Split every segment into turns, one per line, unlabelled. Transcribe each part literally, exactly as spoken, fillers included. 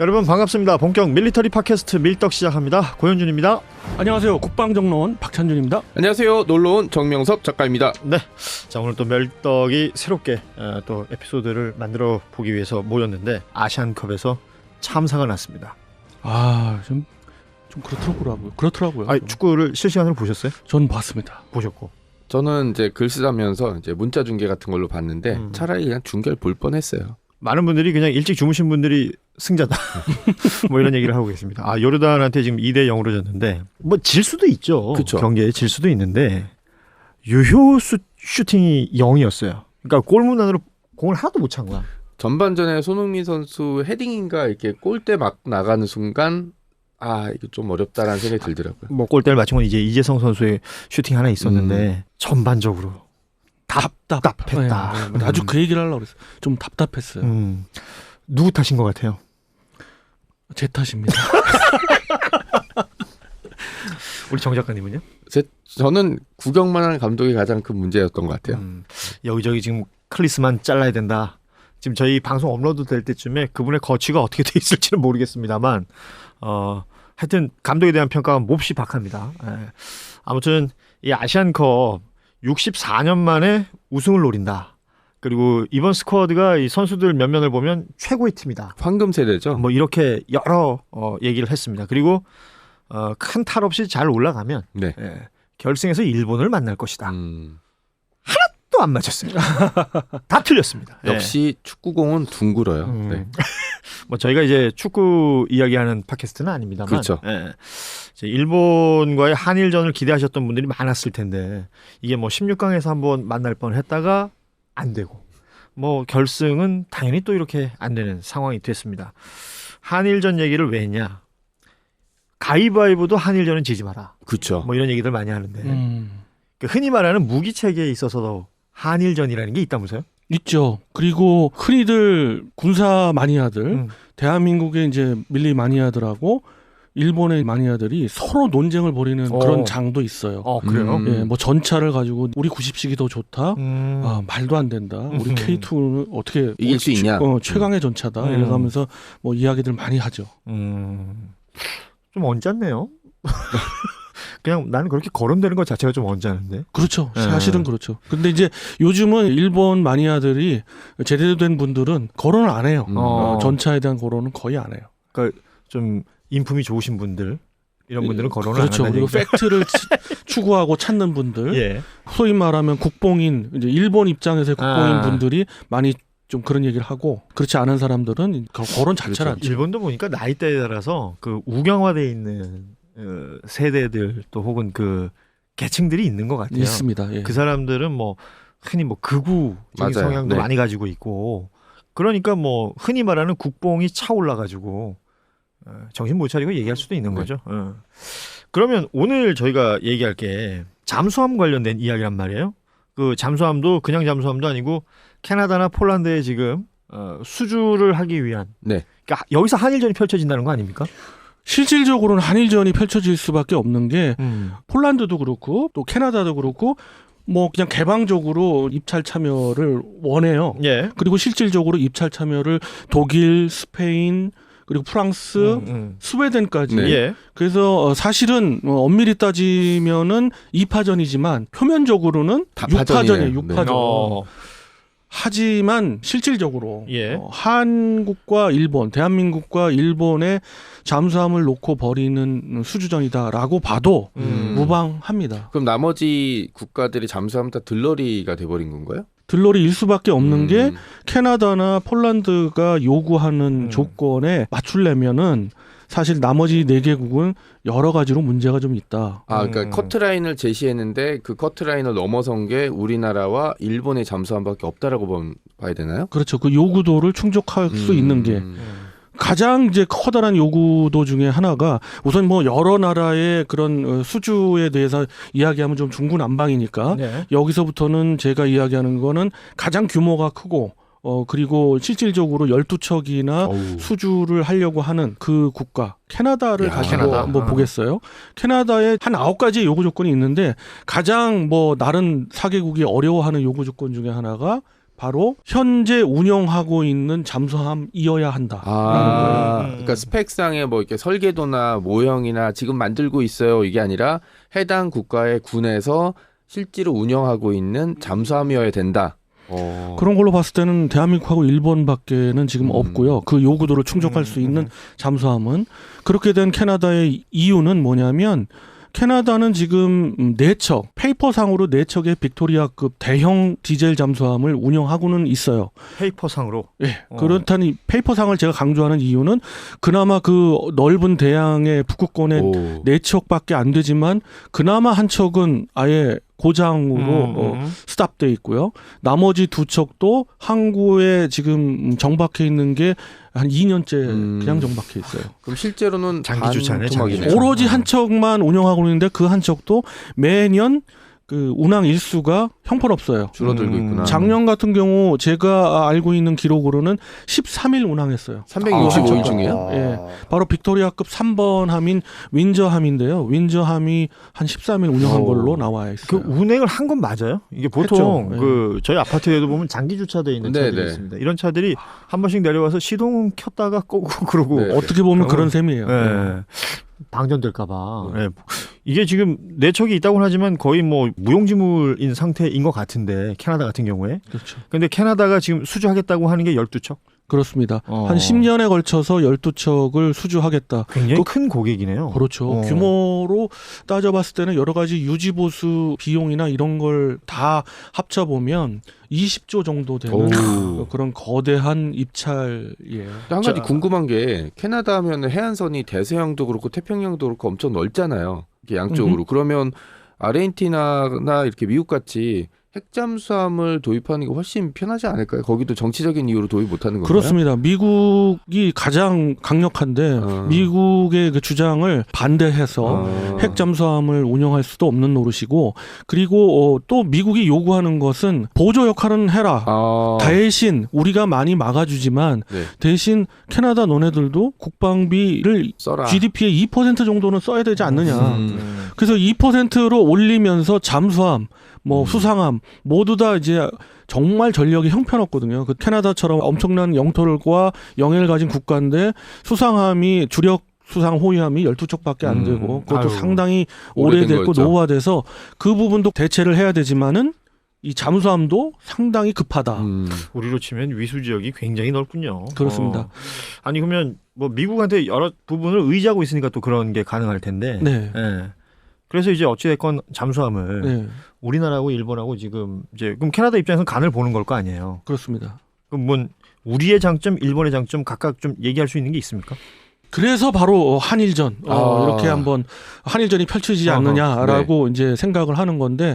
여러분 반갑습니다. 본격 밀리터리 팟캐스트 밀떡 시작합니다. 고현준입니다.
안녕하세요. 국방정론 박찬준입니다.
안녕하세요. 놀러온 정명섭 작가입니다.
네, 자 오늘 또 밀떡이 새롭게 어, 또 에피소드를 만들어 보기 위해서 모였는데 아시안컵에서 참사가 났습니다.
아, 좀, 좀 그렇더라고요. 그렇더라고요.
아,
좀.
축구를 실시간으로 보셨어요?
전 봤습니다.
보셨고.
저는 이제 글 쓰다면서 이제 문자 중계 같은 걸로 봤는데
음.
차라리 그냥 중계를 볼 뻔했어요.
많은 분들이 그냥 일찍 주무신 분들이 승자다. 뭐 이런 얘기를 하고 계십니다. 아, 요르단한테 지금 이 대 영으로 졌는데 뭐 질 수도 있죠.
그쵸.
경기에 질 수도 있는데 유효 수, 슈팅이 영이었어요. 그러니까 골문 안으로 공을 하나도 못 찬 거야.
전반전에 손흥민 선수 헤딩인가 이렇게 골대 막 나가는 순간 아 이거 좀 어렵다라는 생각이 들더라고요.
뭐 골대를 맞춘 건 이제 이재성 선수의 슈팅 하나 있었는데 음. 전반적으로 답답했다.
네, 네. 아주 그 얘기를 하려고 그랬어요. 좀 답답했어요.
음. 누구 탓인 것 같아요?
제 탓입니다.
우리 정 작가님은요?
제, 저는 구경만 하는 감독이 가장 큰 문제였던 것 같아요.
음. 여기저기 지금 클리스만 잘라야 된다. 지금 저희 방송 업로드 될 때쯤에 그분의 거취가 어떻게 돼 있을지는 모르겠습니다만 어, 하여튼 감독에 대한 평가가 몹시 박합니다. 예. 아무튼 이 아시안컵 육십사 년 만에 우승을 노린다. 그리고 이번 스쿼드가 이 선수들 몇 면을 보면 최고의 팀이다.
황금 세대죠.
뭐 이렇게 여러 어, 얘기를 했습니다. 그리고 어, 큰 탈 없이 잘 올라가면
네.
예, 결승에서 일본을 만날 것이다.
음.
또 안 맞았어요. 다 틀렸습니다.
역시 축구공은 둥글어요.
음.
네.
뭐 저희가 이제 축구 이야기하는 팟캐스트는 아닙니다만,
그렇죠.
예, 이제 일본과의 한일전을 기대하셨던 분들이 많았을 텐데 이게 뭐 십육 강에서 한번 만날 뻔했다가 안 되고, 뭐 결승은 당연히 또 이렇게 안 되는 상황이 됐습니다. 한일전 얘기를 왜 했냐? 가위바위보도 한일전은 지지 마라.
그렇죠.
뭐 이런 얘기들 많이 하는데
음.
그 흔히 말하는 무기 체계에 있어서도 한일전이라는 게 있다면서요?
있죠. 그리고 흔히들 군사 마니아들,
음.
대한민국의 이제 밀리 마니아들하고 일본의 마니아들이 서로 논쟁을 벌이는
어.
그런 장도 있어요.
어 그래요?
음.
예, 뭐 전차를 가지고 우리 구십식이 더 좋다.
음.
아, 말도 안 된다. 우리
음.
케이 투는 어떻게
이길 수 있냐?
어, 최강의 전차다.
음.
이러면서 뭐 이야기들 많이 하죠.
음, 좀 언짢네요. 그냥 나는 그렇게 거론되는 것 자체가 좀 언짢은데.
그렇죠.
네.
사실은 그렇죠. 근데 이제 요즘은 일본 마니아들이 제대로 된 분들은 거론을 안 해요.
음.
어,
어.
전차에 대한 거론은 거의 안 해요.
그러니까 좀 인품이 좋으신 분들 이런 분들은 거론을
그렇죠.
안 한다는
그리고
얘기죠.
팩트를 추구하고 찾는 분들,
예.
소위 말하면 국뽕인 이제 일본 입장에서의 국뽕인
아.
분들이 많이 좀 그런 얘기를 하고, 그렇지 않은 사람들은 거론 자체를 안 쳐.
일본도 보니까 나이대에 따라서 그 우경화돼 있는 어, 세대들 또 혹은 그 계층들이 있는 것 같아요.
있습니다. 예.
그 사람들은 뭐 흔히 뭐 극우적인
맞아요.
성향도
네.
많이 가지고 있고, 그러니까 뭐 흔히 말하는 국뽕이 차올라 가지고 어, 정신 못 차리고 얘기할 수도 있는
네.
거죠. 어. 그러면 오늘 저희가 얘기할 게 잠수함 관련된 이야기란 말이에요. 그 잠수함도 그냥 잠수함도 아니고 캐나다나 폴란드에 지금 어, 수주를 하기 위한,
네.
그러니까 여기서 한일전이 펼쳐진다는 거 아닙니까?
실질적으로는 한일전이 펼쳐질 수밖에 없는 게
음.
폴란드도 그렇고 또 캐나다도 그렇고 뭐 그냥 개방적으로 입찰 참여를 원해요.
예.
그리고 실질적으로 입찰 참여를 독일, 스페인, 그리고 프랑스,
음, 음.
스웨덴까지.
네.
예.
그래서 어, 사실은 어, 엄밀히 따지면은 이 파전이지만 표면적으로는
다파전이네요.
육 파전이에요. 육 파전.
어.
하지만 실질적으로
예.
어, 한국과 일본, 대한민국과 일본의 잠수함을 놓고 벌이는 수주전이다라고 봐도
음.
무방합니다.
그럼 나머지 국가들이 잠수함 다 들러리가 돼버린 건가요?
들러리일 수밖에 없는
음.
게 캐나다나 폴란드가 요구하는
음.
조건에 맞추려면은 사실 나머지 네 개국은 여러 가지로 문제가 좀 있다.
아, 그러니까
음.
커트라인을 제시했는데 그 커트라인을 넘어선 게 우리나라와 일본의 잠수함밖에 없다라고 봐- 봐야 되나요?
그렇죠. 그 요구도를 충족할 수
음.
있는 게
음.
가장 이제 커다란 요구도 중에 하나가, 우선 뭐 여러 나라의 그런 어, 수주에 대해서 이야기하면 좀 중구난방이니까
네.
여기서부터는 제가 이야기하는 거는 가장 규모가 크고 어 그리고 실질적으로 열두 척이나
어우.
수주를 하려고 하는 그 국가 캐나다를
야,
가지고
캐나다.
한번
아.
보겠어요. 캐나다에 한 아홉 가지 요구 조건이 있는데 가장 뭐 다른 사 개국이 어려워하는 요구 조건 중에 하나가 바로 현재 운영하고 있는 잠수함이어야 한다.
아,
음.
그러니까 스펙상의 뭐 이렇게 설계도나 모형이나 지금 만들고 있어요 이게 아니라 해당 국가의 군에서 실제로 운영하고 있는 잠수함이어야 된다. 어.
그런 걸로 봤을 때는 대한민국하고 일본밖에는 지금
음.
없고요. 그 요구도를 충족할
음,
수 있는
음.
잠수함은. 그렇게 된 캐나다의 이유는 뭐냐면 캐나다는 지금 네 척, 페이퍼상으로 네 척의 빅토리아급 대형 디젤 잠수함을 운영하고는 있어요.
페이퍼상으로.
예.
어.
그렇다니 페이퍼상을 제가 강조하는 이유는 그나마 그 넓은 대양의 북극권에
오.
네 척밖에 안 되지만 그나마 한 척은 아예 고장으로
음,
어,
음.
스탑돼 있고요. 나머지 두 척도 항구에 지금 정박해 있는 게 한 이 년째
음.
그냥 정박해 있어요.
그럼 실제로는
장기 주차네,
반토막이네요.
장기 주차.
오로지
어.
한 척만 운영하고 있는데 그 한 척도 매년 그 운항 일수가 형편없어요.
줄어들고
음.
있구나.
작년 같은 경우 제가 알고 있는 기록으로는 십삼 일 운항했어요.
삼백육십오 일
아,
중에요?
예. 바로 빅토리아급 삼 번 함인 윈저함인데요. 윈저함이 한 십삼 일 운영한
오.
걸로 나와
그
있어요.
운행을 한 건 맞아요? 이게 보통
했죠. 예.
그 저희 아파트에도 보면 장기 주차되어 있는
네,
차들이
네.
있습니다. 이런 차들이 한 번씩 내려와서 시동 켰다가 끄고 그러고
네.
어떻게 보면 그런
그러면-
셈이에요.
예. 방전될까봐. 예. 이게 지금 네 척이 있다고는 하지만 거의 뭐 무용지물인 상태인 것 같은데 캐나다 같은 경우에.
그렇죠.
근데 캐나다가 지금 수주하겠다고 하는 게 열두 척.
그렇습니다.
어.
한 십 년에 걸쳐서 열두 척을 수주하겠다.
굉장히
그-
큰 고객이네요.
그렇죠.
어.
규모로 따져봤을 때는 여러 가지 유지보수 비용이나 이런 걸 다 합쳐보면 이십조 정도 되는
오.
그런 거대한 입찰이에요.
한 가지
자.
궁금한 게 캐나다 하면 해안선이 대서양도 그렇고 태평양도 그렇고 엄청 넓잖아요. 이렇게 양쪽으로. 그러면 아르헨티나나 이렇게 미국 같이 핵잠수함을 도입하는 게 훨씬 편하지 않을까요? 거기도 정치적인 이유로 도입 못하는 건가요?
그렇습니다. 미국이 가장 강력한데
어.
미국의 그 주장을 반대해서
어.
핵 잠수함을 운영할 수도 없는 노릇이고 그리고 어, 또 미국이 요구하는 것은 보조 역할은 해라.
아.
대신 우리가 많이 막아주지만
네.
대신 캐나다 너네들도 국방비를
써라.
지디피의 이 퍼센트 정도는 써야 되지 않느냐.
음.
음.
그래서 이 퍼센트로 올리면서 잠수함, 뭐
음.
수상함 모두 다 이제 정말 전력이 형편없거든요. 그 캐나다처럼 엄청난 영토과 영해를 가진 국가인데 수상함이 주력 수상 호위함이 열두 척밖에 안
음.
되고 그것도
아유.
상당히
오래된
오래됐고
거였죠.
노후화돼서 그 부분도 대체를 해야 되지만은 이 잠수함도 상당히 급하다.
음.
우리로 치면 위수 지역이 굉장히 넓군요.
그렇습니다.
어. 아니 그러면 뭐 미국한테 여러 부분을 의지하고 있으니까 또 그런 게 가능할 텐데.
네.
예. 그래서 이제 어찌됐건 잠수함을
네.
우리나라하고 일본하고 지금 이제 그럼 캐나다 입장에서는 간을 보는 걸 거 아니에요.
그렇습니다.
그럼 뭐 우리의 장점, 일본의 장점 각각 좀 얘기할 수 있는 게 있습니까?
그래서 바로 한일전 어,
아.
이렇게 한번 한일전이 펼쳐지지
어허,
않느냐라고 이제 생각을 하는 건데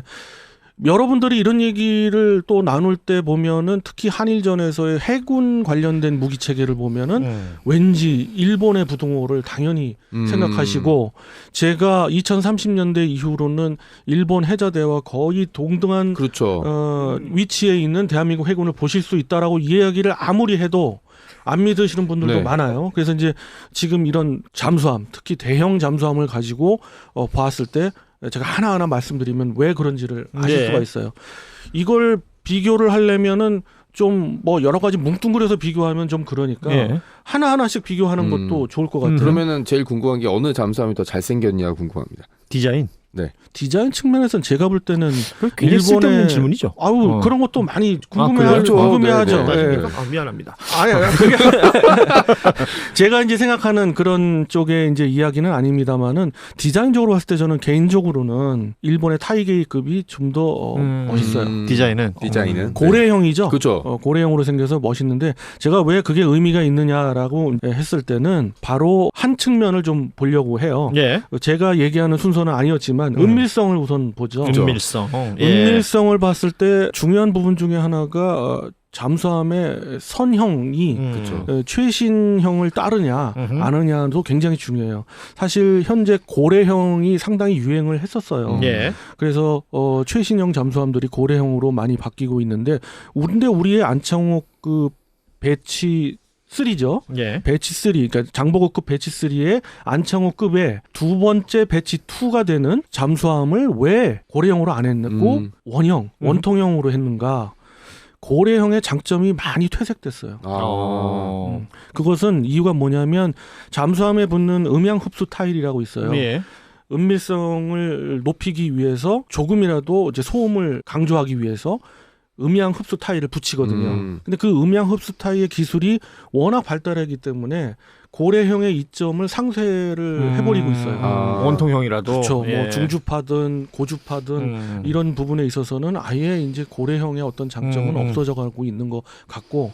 여러분들이 이런 얘기를 또 나눌 때 보면은 특히 한일전에서의 해군 관련된 무기 체계를 보면은
음.
왠지 일본의 부동호를 당연히
음.
생각하시고 제가 이천삼십 년대 이후로는 일본 해자대와 거의 동등한
그렇죠.
어, 위치에 있는 대한민국 해군을 보실 수 있다라고 이야기를 아무리 해도 안 믿으시는 분들도
네.
많아요. 그래서 이제 지금 이런 잠수함, 특히 대형 잠수함을 가지고 어, 봤을 때 제가 하나하나 말씀드리면 왜 그런지를 아실
네.
수가 있어요. 이걸 비교를 하려면은 좀 뭐 여러 가지 뭉뚱그려서 비교하면 좀 그러니까
예.
하나하나씩 비교하는
음.
것도 좋을 것
음.
같아요.
그러면은 제일 궁금한 게 어느 잠수함이 더 잘생겼냐 궁금합니다.
디자인.
디자인 측면에서는 제가 볼 때는
굉장히
일본의-
쓸데없는 질문이죠.
아우
어.
그런 것도 많이
아,
궁금해하,
그래요?
궁금해하죠.
네, 네.
예.
아, 미안합니다.
아니, 아니, 그게 제가 이제 생각하는 그런 쪽의 이제 이야기는 아닙니다만은 디자인적으로 봤을 때 저는 개인적으로는 일본의 타이게이급이 좀 더 어,
음.
멋있어요.
음.
디자인은
디자인은
어, 고래형이죠.
그렇죠.
어, 고래형으로 생겨서 멋있는데 제가 왜 그게 의미가 있느냐라고 했을 때는 바로 한 측면을 좀 보려고 해요.
예.
제가 얘기하는 순서는 아니었지만
음.
은밀성을 우선 보죠.
그렇죠.
은밀성. 어, 예.
은밀성을 봤을 때 중요한 부분 중에 하나가 어, 잠수함의 선형이
음.
그렇죠.
어, 최신형을 따르냐
음흠.
아느냐도 굉장히 중요해요. 사실 현재 고래형이 상당히 유행을 했었어요.
음.
예.
그래서 어, 최신형 잠수함들이 고래형으로 많이 바뀌고 있는데 근데 우리의 안창호 그 배치 삼죠.
예.
배치 삼, 그러니까 장보고급 배치 삼의 안창호급의 두 번째 배치 이가 되는 잠수함을 왜 고래형으로 안 했고
음.
원형,
음.
원통형으로 했는가? 고래형의 장점이 많이 퇴색됐어요.
아.
어.
음, 그것은 이유가 뭐냐면 잠수함에 붙는 음향 흡수 타일이라고 있어요.
예.
은밀성을 높이기 위해서 조금이라도 이제 소음을 강조하기 위해서 음향 흡수 타일을 붙이거든요.
음.
근데 그 음향 흡수 타일의 기술이 워낙 발달하기 때문에 고래형의 이점을 상쇄를 해버리고 있어요.
아.
원통형이라도.
그렇죠.
예.
뭐 중주파든 고주파든
음.
이런 부분에 있어서는 아예 이제 고래형의 어떤 장점은
음, 음.
없어져가고 있는 것 같고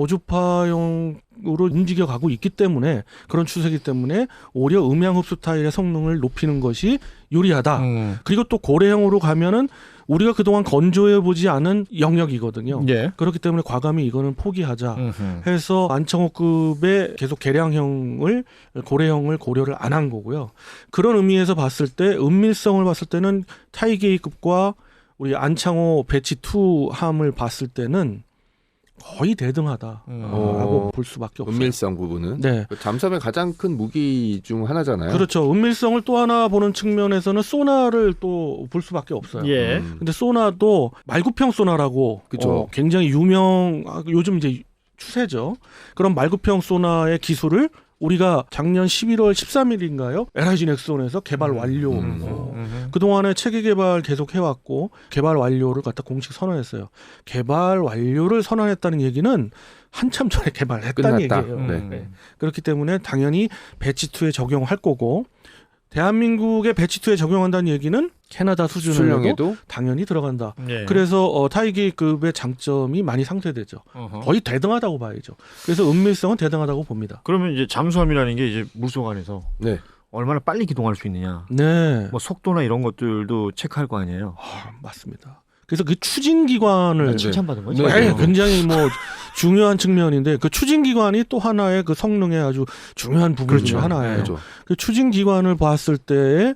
저주파형으로 움직여가고 있기 때문에 그런 추세이기 때문에 오히려 음향 흡수 타일의 성능을 높이는 것이 유리하다.
음.
그리고 또 고래형으로 가면은 우리가 그동안 건조해보지 않은 영역이거든요.
예.
그렇기 때문에 과감히 이거는 포기하자
음흠.
해서 안창호급의 계속 개량형을 고래형을 고려를 안 한 거고요. 그런 의미에서 봤을 때 은밀성을 봤을 때는 타이게이급과 우리 안창호 배치 투 함을 봤을 때는 거의 대등하다라고
음.
어.
볼 수밖에 없어요.
은밀성 부분은
네.
그 잠수함의 가장 큰 무기 중 하나잖아요.
그렇죠. 은밀성을 또 하나 보는 측면에서는 소나를 또 볼 수밖에 없어요.
예.
음.
근데 소나도 말구평 소나라고
그쵸.
어, 굉장히 유명 아, 요즘 이제 추세죠. 그런 말구평 소나의 기술을 우리가 작년 십일월 십삼일인가요? 엘아이지 넥슨에서 개발 완료.
음.
어,
음.
그동안에 체계 개발 계속 해왔고 개발 완료를 갖다 공식 선언했어요. 개발 완료를 선언했다는 얘기는 한참 전에 개발했다는
끝났다.
얘기예요.
네.
네. 그렇기 때문에 당연히 배치 투에 적용할 거고 대한민국의 배치 투에 적용한다는 얘기는 캐나다 수준으로도
수출량에도
당연히 들어간다.
예.
그래서 어, 타이게이급의 장점이 많이 상쇄되죠.
어허.
거의 대등하다고 봐야죠. 그래서 은밀성은 대등하다고 봅니다.
그러면 이제 잠수함이라는 게 이제 물속 안에서
네.
얼마나 빨리 기동할 수 있느냐.
네,
뭐 속도나 이런 것들도 체크할 거 아니에요.
아, 맞습니다. 그래서 그 추진 기관을
네.
칭찬받은 거죠.
네.
네, 굉장히 뭐 중요한 측면인데 그 추진 기관이 또 하나의 그 성능의 아주 중요한 부분 중
그렇죠.
하나예요.
그렇죠.
그 추진 기관을 봤을 때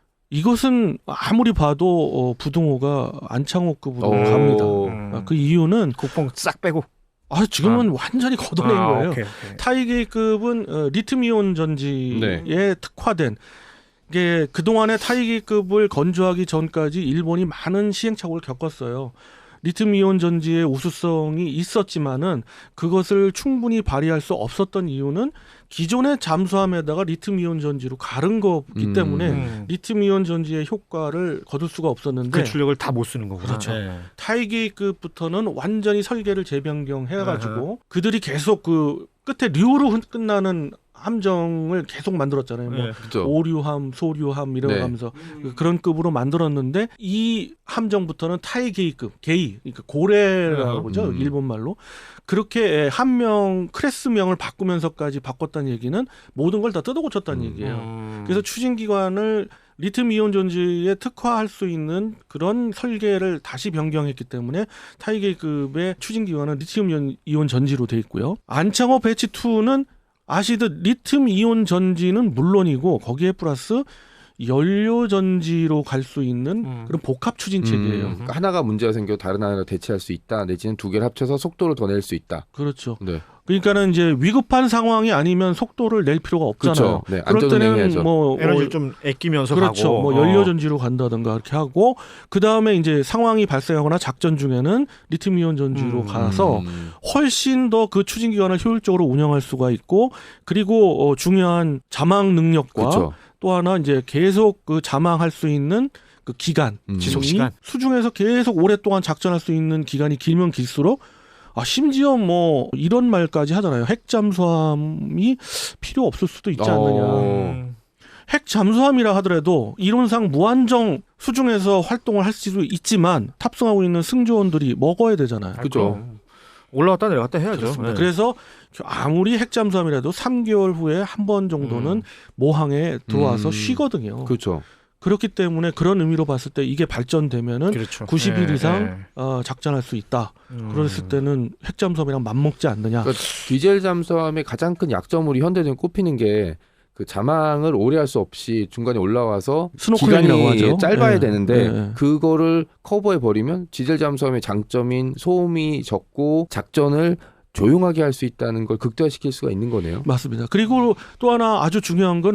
이것은 아무리 봐도 어, 부등호가 안창호급으로
오.
갑니다.
음.
아, 그 이유는
국뽕 싹 빼고.
아, 지금은 완전히 걷어낸
아,
거예요.
오케이, 오케이.
타이게이급은 어, 리튬이온 전지에
네.
특화된 이게 그동안의 타이게이급을 건조하기 전까지 일본이 많은 시행착오를 겪었어요. 리튬이온 전지의 우수성이 있었지만은 그것을 충분히 발휘할 수 없었던 이유는 기존의 잠수함에다가 리튬이온 전지로 가른 거기
음.
때문에
음.
리튬이온 전지의 효과를 거둘 수가 없었는데
그 출력을 다 못 쓰는 거구나.
그렇죠.
예.
타이게이급부터는 완전히 설계를 재변경해가지고 그들이 계속 그 끝에 류로 흔- 끝나는 함정을 계속 만들었잖아요. 뭐
예.
그렇죠.
오류함, 소류함 이러면서
네.
그런 급으로 만들었는데 이 함정부터는 타이게이급, 게이, 그러니까 고래라고
음.
그러죠.
음.
일본 말로. 그렇게 함명 클래스명을 바꾸면서까지 바꿨다는 얘기는 모든 걸 다 뜯어고쳤다는
음.
얘기예요.
음.
그래서 추진기관을 리튬이온 전지에 특화할 수 있는 그런 설계를 다시 변경했기 때문에 타이게이급의 추진기관은 리튬이온 전지로 돼 있고요. 안창호 배치 투는 아시듯 리튬이온 전지는 물론이고 거기에 플러스 연료 전지로 갈 수 있는
음.
그런 복합 추진
음,
체계예요.
그러니까 하나가 문제가 생겨 다른 하나를 대체할 수 있다. 내지는 두 개를 합쳐서 속도를 더 낼 수 있다.
그렇죠.
네.
그러니까는 이제 위급한 상황이 아니면 속도를 낼 필요가 없잖아요.
그렇죠. 네,
그럴 때는
안전운행해야죠.
뭐
에너지를
어,
좀 아끼면서
그렇죠.
가고.
뭐
어.
연료 전지로 간다든가 이렇게 하고 그 다음에 이제 상황이 발생하거나 작전 중에는 리튬이온 전지로
음.
가서
음.
훨씬 더 그 추진 기관을 효율적으로 운영할 수가 있고 그리고 어, 중요한 자망 능력과
그렇죠.
또 하나 이제 계속 그 자망할 수 있는 그 기간,
음.
지속 시간.
수중에서 계속 오랫동안 작전할 수 있는 기간이 길면 길수록 아 심지어 뭐 이런 말까지 하잖아요. 핵 잠수함이 필요 없을 수도 있지 않느냐.
어.
음.
핵 잠수함이라 하더라도 이론상 무한정 수중에서 활동을 할 수도 있지만 탑승하고 있는 승조원들이 먹어야 되잖아요.
그죠.
그럼. 올라갔다 내려갔다 해야죠.
그렇습니다.
예.
그래서 아무리 핵 잠수함이라도 삼 개월 후에 한 번 정도는
음.
모항에 들어와서
음.
쉬거든요.
그렇죠.
그렇기 때문에 그런 의미로 봤을 때 이게 발전되면은
그렇죠.
구십 일
예,
이상
예.
어, 작전할 수 있다.
음.
그랬을 때는 핵 잠수함이랑 맞먹지 않느냐.
그러니까 디젤 잠수함의 가장 큰 약점으로 현대는 꼽히는 게 그 자망을 오래 할 수 없이 중간에 올라와서
스노클링이라고
기간이
하죠.
짧아야
예,
되는데
예.
그거를 커버해 버리면 디젤 잠수함의 장점인 소음이 적고 작전을 조용하게 할 수 있다는 걸 극대화시킬 수가 있는 거네요.
맞습니다. 그리고 또 하나 아주 중요한 건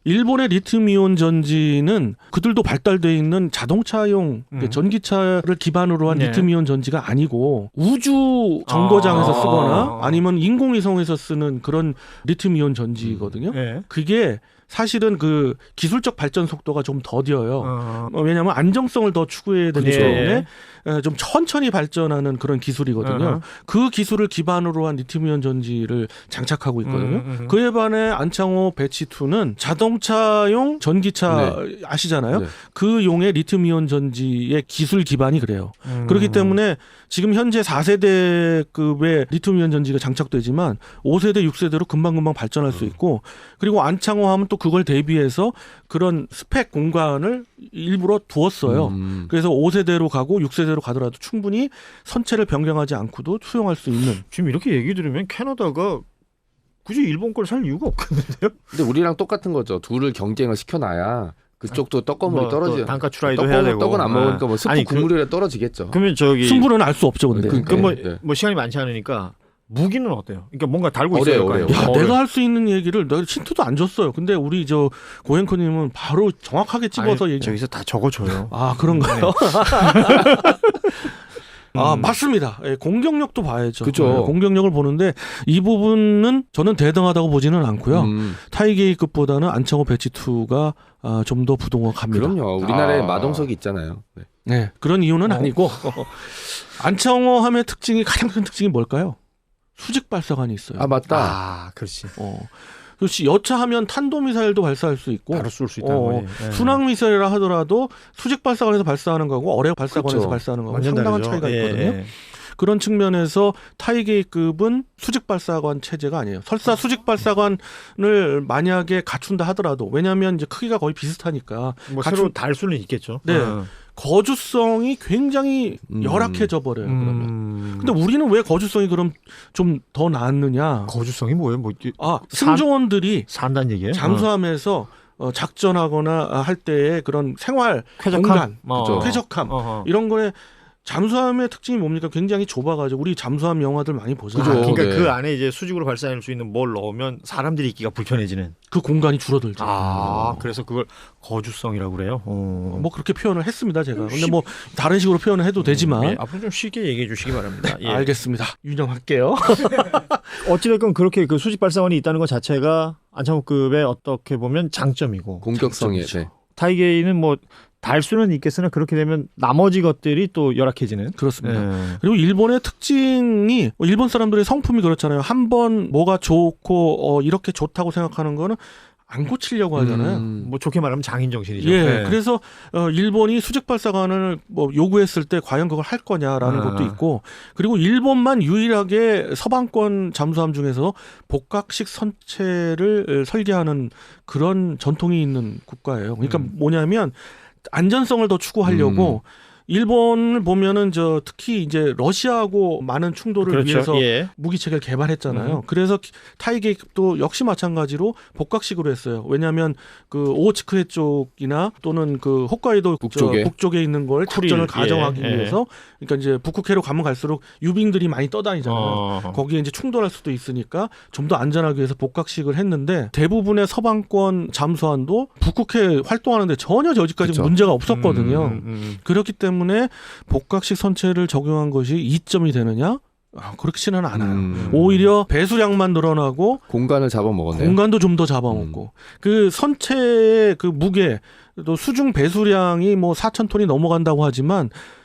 일본의 리튬이온 전지는 그들도 발달돼 있는 자동차용
음.
전기차를 기반으로 한
네.
리튬이온 전지가 아니고 우주 정거장에서
아.
쓰거나 아니면 인공위성에서 쓰는 그런 리튬이온 전지거든요.
예.
그게 사실은 그 기술적 발전 속도가 좀 더뎌요.
어.
어, 왜냐하면 안정성을 더 추구해야 되기
네.
때문에 에, 좀 천천히 발전하는 그런 기술이거든요.
어허.
그 기술을 기반으로 한 리튬이온 전지를 장착하고 있거든요.
음, 음.
그에 반해 안창호 배치이는 자동차용 전기차 아시잖아요.
네.
그 용의 리튬이온 전지의 기술 기반이 그래요.
음.
그렇기 때문에 지금 현재 사 세대급의 리튬이온 전지가 장착되지만 오 세대, 육 세대로 금방금방 발전할 수 있고 그리고 안창호 하면 또 그걸 대비해서 그런 스펙 공간을 일부러 두었어요.
음.
그래서 오 세대로 가고 육 세대로 가더라도 충분히 선체를 변경하지 않고도 수용할 수 있는.
지금 이렇게 얘기 들으면 캐나다가 굳이 일본 걸 살 이유가 없겠는데요?
근데 우리랑 똑같은 거죠. 둘을 경쟁을 시켜놔야 그쪽도 떡고물이
뭐
떨어지.
또 단가 추라이도
떡,
해야 되고.
떡은 안 먹으니까 뭐 스프
아니, 그-
국물이라 떨어지겠죠.
그러면 저기
승부는 알 수 없죠, 근데.
그-
그 뭐,
네.
뭐 시간이 많지 않으니까 무기는 어때요? 그러니까 뭔가 달고
어려요,
있어야 될 거 아니에요.
어려요.
야,
어려요.
내가 할 수 있는 얘기를 내가 힌트도 안 줬어요. 근데 우리 저 고행커님은 바로 정확하게 찍어서
아니,
얘기.
저기서 다 적어줘요.
아 그런가요? 아
음.
맞습니다. 예, 공격력도 봐야죠.
그죠.
예, 공격력을 보는데 이 부분은 저는 대등하다고 보지는 않고요.
음,
타이게이급보다는 안창호 배치이가 아, 좀 더 부동확합니다.
그럼요. 우리나라에
아.
마동석이 있잖아요. 네.
네, 그런 이유는
어.
아니고 안창호 함의 특징이 가장 큰 특징이 뭘까요? 수직 발사관이 있어요.
아 맞다.
아, 그렇지.
어. 그렇지. 여차하면 탄도미사일도 발사할 수 있고
바로 쏠 수 있다는
어,
거지. 예.
순항 미사일이라 하더라도 수직 발사관에서 발사하는 거고 어뢰 발사관에서
그렇죠.
발사하는 거고
완전
상당한
다르죠.
차이가
예,
있거든요.
예.
그런 측면에서 타이게이급은 수직 발사관 체제가 아니에요. 설사 수직 발사관을 만약에 갖춘다 하더라도 왜냐하면 이제 크기가 거의 비슷하니까
뭐
갖춘-
새로 달 수는 있겠죠.
네.
어.
거주성이 굉장히
음.
열악해져 버려요. 그러면.
음.
근데 우리는 왜 거주성이 그럼 좀 더 나았느냐?
거주성이 뭐예요? 뭐 이게
아
산-
승조원들이
산다는 얘기예요?
잠수함에서 어, 작전하거나 할 때의 그런 생활
어. 쾌적함.
공간,
어.
쾌적함
어허.
이런 거에 잠수함의 특징이 뭡니까? 굉장히 좁아가지고 우리 잠수함 영화들 많이 보잖아요.
아,
그죠.
그러니까
네.
그 안에 이제 수직으로 발사할 수 있는 뭘 넣으면 사람들이 있기가 불편해지는.
그 공간이 줄어들죠.
아, 그래서 그걸 거주성이라고 그래요. 어.
뭐 그렇게 표현을 했습니다, 제가. 근데 뭐 다른 식으로 표현을 해도 되지만
예, 앞으로 좀 쉽게 얘기해 주시기 바랍니다. 예.
알겠습니다. 유념할게요.
어찌됐건 그렇게 그 수직 발사관이 있다는 것 자체가 안창호급의 어떻게 보면 장점이고
공격성에.
장점이죠.
네.
타이게이는 뭐 달 수는 있겠으나 그렇게 되면 나머지 것들이 또 열악해지는.
그렇습니다.
예.
그리고 일본의 특징이 일본 사람들의 성품이 그렇잖아요. 한번 뭐가 좋고 어, 이렇게 좋다고 생각하는 거는 안 고치려고 하잖아요.
음.
뭐 좋게 말하면 장인 정신이죠.
예,
예.
그래서 어, 일본이 수직 발사관을 뭐 요구했을 때 과연 그걸 할 거냐라는
아.
것도 있고, 그리고 일본만 유일하게 서방권 잠수함 중에서 복각식 선체를 설계하는 그런 전통이 있는 국가예요. 그러니까
음.
뭐냐면 안전성을 더 추구하려고. 일본을 보면은 저 특히 이제 러시아하고 많은 충돌을
그렇죠.
위해서
예.
무기 체계를 개발했잖아요.
음.
그래서 타이게이급도 역시 마찬가지로 복각식으로 했어요. 왜냐하면 그 오호츠크해 쪽이나 또는 그 홋카이도
북쪽에.
저 북쪽에 있는 걸
쿠릴,
작전을 가정하기
예, 예.
위해서, 그러니까 이제 북극해로 가면 갈수록 유빙들이 많이 떠다니잖아요.
어.
거기에 이제 충돌할 수도 있으니까 좀 더 안전하기 위해서 복각식을 했는데 대부분의 서방권 잠수함도 북극해 활동하는데 전혀 저지까지
그쵸.
문제가 없었거든요.
음, 음,
그렇기 때문에 복각식 선체를 적용한 것이 이점이 되느냐? 아, 그렇지는 않아요.
음.
오히려 배수량만 늘어나고
공간을 잡아먹었네요.
공간도 좀 더 잡아먹고 그 선체의 그 무게 또 수중 배수량이 뭐 사천 톤이 넘어간다고 하지만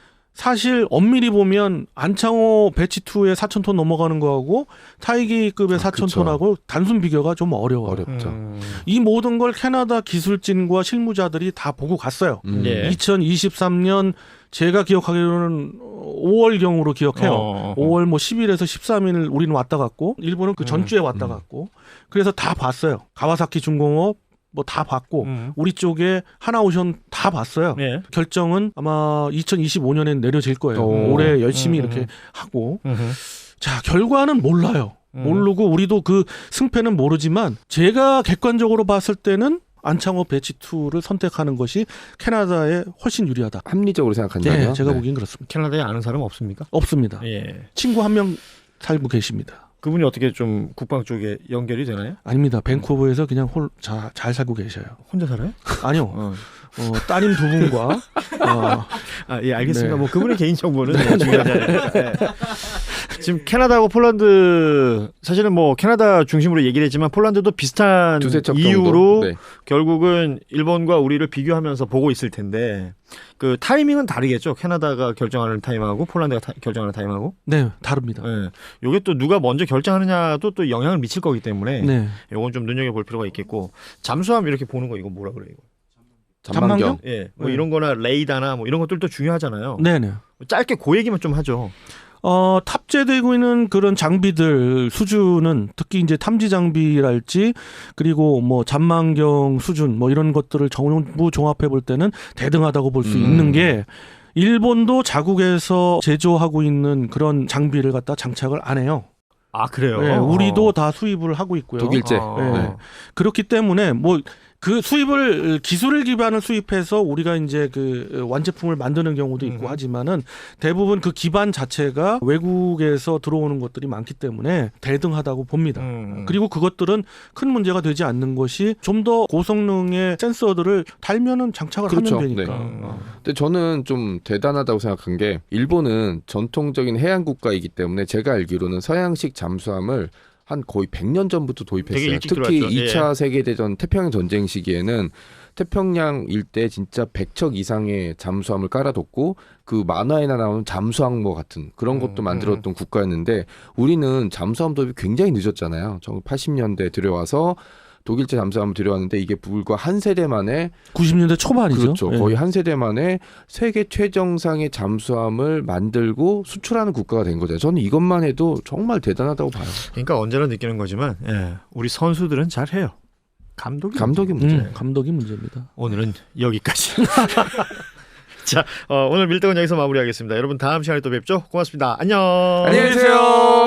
사실 엄밀히 보면 안창호 배치이의 사천 톤 넘어가는 거하고 타이게이급의
아,
사천
그쵸.
ton하고 단순 비교가 좀 어려워요.
어렵죠.
음.
이 모든 걸 캐나다 기술진과 실무자들이 다 보고 갔어요.
음.
예.
이천이십삼 년 제가 기억하기로는 오월경으로 기억해요.
어.
오월 뭐 십 일에서 십삼 일 우리는 왔다 갔고 일본은 그 전주에 왔다
음.
갔고 그래서 다 봤어요. 가와사키 중공업 뭐 다 봤고
음.
우리 쪽에 하나오션 다 봤어요.
예.
결정은 아마 이천이십오 년엔 내려질 거예요.
오.
올해 열심히
음.
이렇게 하고
음흠.
자 결과는 몰라요.
음.
모르고 우리도 그 승패는 모르지만 제가 객관적으로 봤을 때는 안창호 배치이를 선택하는 것이 캐나다에 훨씬 유리하다.
합리적으로 생각한다면.
네, 제가
네.
보기엔 그렇습니다.
캐나다에 아는 사람 없습니까?
없습니다.
예.
친구 한 명 살고 계십니다.
그분이 어떻게 좀 국방 쪽에 연결이 되나요?
아닙니다. 밴쿠버에서 그냥 홀, 자, 잘 살고 계셔요.
혼자 살아요?
아니요.
어.
어, 따님 두 분과 어,
아, 예, 알겠습니다.
네.
뭐 그분의 개인 정보는 뭐 중요하지 않으니까. 예. 지금 캐나다하고 폴란드 사실은 뭐 캐나다 중심으로 얘기를 했지만 폴란드도 비슷한
두세 척
이유로
정도? 네.
결국은 일본과 우리를 비교하면서 보고 있을 텐데 그 타이밍은 다르겠죠. 캐나다가 결정하는 타임하고 폴란드가 타, 결정하는 타임하고.
네, 다릅니다.
예. 요게 또 누가 먼저 결정하느냐도 또 영향을 미칠 거기 때문에
네.
요건 좀 눈여겨볼 필요가 있겠고 잠수함 이렇게 보는 거 이거 뭐라 그래요? 이거?
전망경.
예, 뭐
네.
이런 거나 레이더나 뭐 이런 것들도 중요하잖아요.
네, 네.
짧게 그 얘기만 좀 하죠.
어, 탑재되고 있는 그런 장비들 수준은 특히 이제 탐지 장비랄지 그리고 뭐 잠망경 수준 뭐 이런 것들을 전부 종합해 볼 때는 대등하다고 볼 수
음.
있는 게 일본도 자국에서 제조하고 있는 그런 장비를 갖다 장착을 안 해요.
아 그래요?
네, 우리도 다 수입을 하고 있고요.
독일제.
어.
네. 그렇기 때문에 뭐 그 수입을 기술을 기반을 수입해서 우리가 이제 그 완제품을 만드는 경우도 있고
음.
하지만은 대부분 그 기반 자체가 외국에서 들어오는 것들이 많기 때문에 대등하다고 봅니다.
음.
그리고 그것들은 큰 문제가 되지 않는 것이 좀 더 고성능의 센서들을 달면은 장착을
그렇죠.
하면 되니까.
네.
음.
근데 저는 좀 대단하다고 생각한 게 일본은 전통적인 해양 국가이기 때문에 제가 알기로는 서양식 잠수함을 한 거의 백 년 전부터
되게
도입했어요.
일찍
특히
들어왔죠.
이 차
예.
세계대전 태평양 전쟁 시기에는 태평양 일대 진짜 백 척 이상의 잠수함을 깔아뒀고 그 만화에나 나오는 잠수항모 같은 그런 것도
음,
만들었던 국가였는데 우리는 잠수함 도입이 굉장히 늦었잖아요. 천구백팔십 년대 들여와서 독일제 잠수함을 들여왔는데 이게 불과 한 세대 만에
구십 년대 초반이죠.
그렇죠.
예.
거의 한 세대 만에 세계 최정상의 잠수함을 만들고 수출하는 국가가 된 거죠. 저는 이것만 해도 정말 대단하다고 봐요.
그러니까 언제나 느끼는 거지만 예, 우리 선수들은 잘해요. 감독이
감독이
문제.
문제.
음, 감독이 문제입니다.
오늘은 여기까지. 자, 어, 오늘 밀떡은 여기서 마무리하겠습니다. 여러분 다음 시간에 또 뵙죠. 고맙습니다. 안녕.
안녕히 계세요.